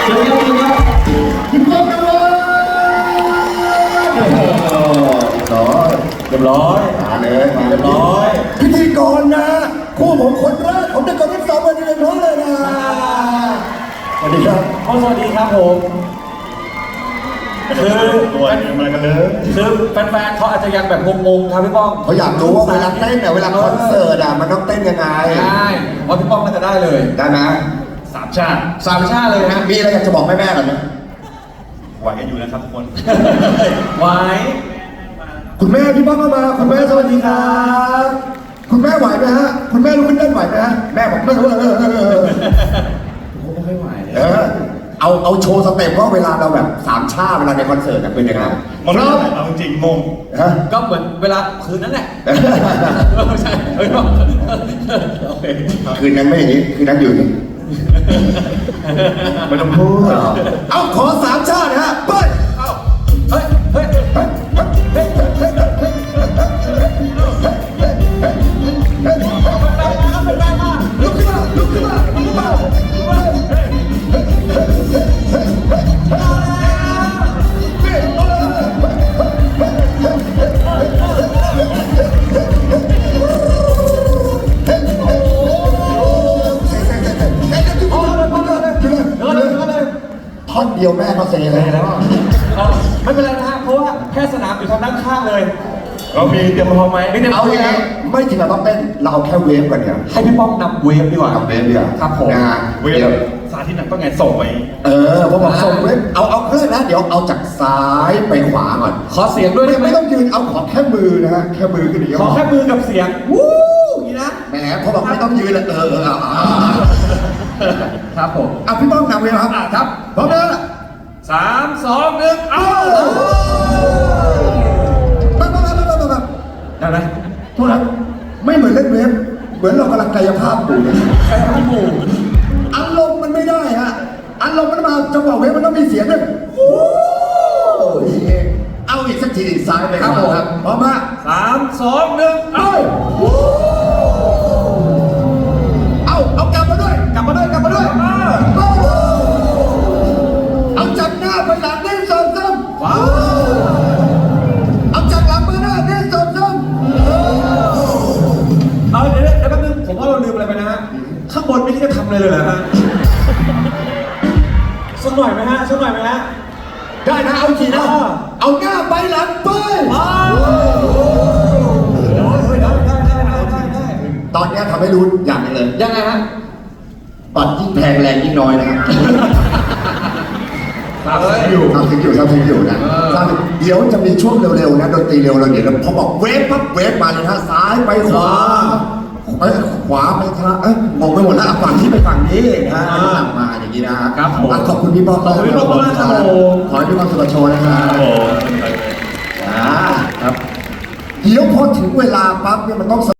เชิญครับคุณป้องกันเลยเรียบร้อยมาเลยเรียบร้อยพิธีกรนะคู่ผมคนแรกผมจะกดทั้งสองวันนี้เลยน้องเลยนะสวัสดีครับสวัสดีครับผมคือตัวอะไรกันเลยคือแฟนๆเขาอาจจะยังแบบงงๆครับพี่ป้องเขาอยากรู้ว่าเวลาเต้นเนี่ยเวลาคอนเสิร์ตอ่ะมันต้องเต้นยังไงใช่ว่าพี่ป้องน่าจะได้เลยได้ไหม 3 ชาติ 3 ชาติเลยฮะมีอะไรอยากจะบอกแม่ๆกันไหมไหวกันอยู่นะครับทุกคนไหวคุณแม่พี่ป้องเข้ามาคุณแม่สวัสดีครับคุณแม่ไหวไหมฮะคุณแม่รู้ขึ้นเต้นไหวไหมฮะแม่บอกไม่รู้ไม่ไหวเอาโชว์สเต็ปว่าเวลาเราแบบ3 ชาติเวลาในคอนเสิร์ตเป็นยังไงมันเอาจริงงงก็เหมือนเวลาคืนนั้นแหละไม่ใช่คืนนั้นไม่อย่างนี้คืนนั้นอยู่นี่ไม่ต้องพูดเอาขอ3 ชาติฮะเปิดเฮ้ยลุกขึ้นมาลุกขึ้นมาลุกขึ้นมาท่อนเดียวแม่ก็เซเลยแล้วไม่เป็นไรนะฮะเพราะว่าแค่สนามอยู่ทางด้านข้างเลยเรามีเตรียมพร้อมไหมเอาอย่างนี้ไม่ถึงกับต้องเต้นเราแค่เวฟก่อนเนี่ยให้พี่ป้องนำเวฟดีกว่านำเวฟดีกว่าครับผมเวฟสาธิตหนักต้องไงส่งไปพอบอกส่งเวฟเอาเครื่องนะเดี๋ยวเอาจากซ้ายไปขวาก่อนขอเสียงด้วยไม่ต้องยืนเอาขอแค่มือนะฮะแค่มือก็ดีขอแค่มือกับเสียงวู้นี่นะแหมพอบอกไม่ต้องยืนเลยครับผมพี่ป้องนำเวฟครับพร้อมแล้ว 3 2 1เอาได้ไหมโทษนะไม่เหมือนเล่นเวฟเหมือนเรากำลังกายภาพอยู่กายภาพหมู่อารมณ์มันไม่ได้ฮะอารมณ์มันมาจังหวะเวฟมันต้องมีเสียงด้วยเอาอีกสักทีซ้ายไปครับพร้อมมา 3 2 1 เอากลับมาด้วยเอาจากหน้าไปหลังได้ซ้ำเอาจากหลังไปหน้าได้ซ้ำเดี๋ยวแป๊บนึงผมว่าเราลืมอะไรไปนะฮะข้างบนไม่คิดจะทำอะไรเลยเหรอฮะสักหน่อยไหมฮะได้นะเอาทีนะเอาหน้าไปหลังไปตอนนี้ทำให้รู้อย่างนึงเลยยังไงฮะปัดยิ่งแพงแรงยิ่งน้อยนะครับทำถึงอยู่นะเดี๋ยวจะมีช่วงเร็วๆนะดนตรีเร็วเราเดี๋ยวพอบอกเวฟปั๊บเวฟมาเลยฮะซ้ายไปขวาไปทางมองไปหมดแล้วฝั่งที่ไปฝั่งนี้นะมาอย่างนี้นะครับขอบคุณพี่ป้องขอบคุณพี่ป้องมากครับขอให้พี่ป้องสุขโชว์นะครับครับเดี๋ยวพอถึงเวลาปั๊บเนี่ยมันต้อง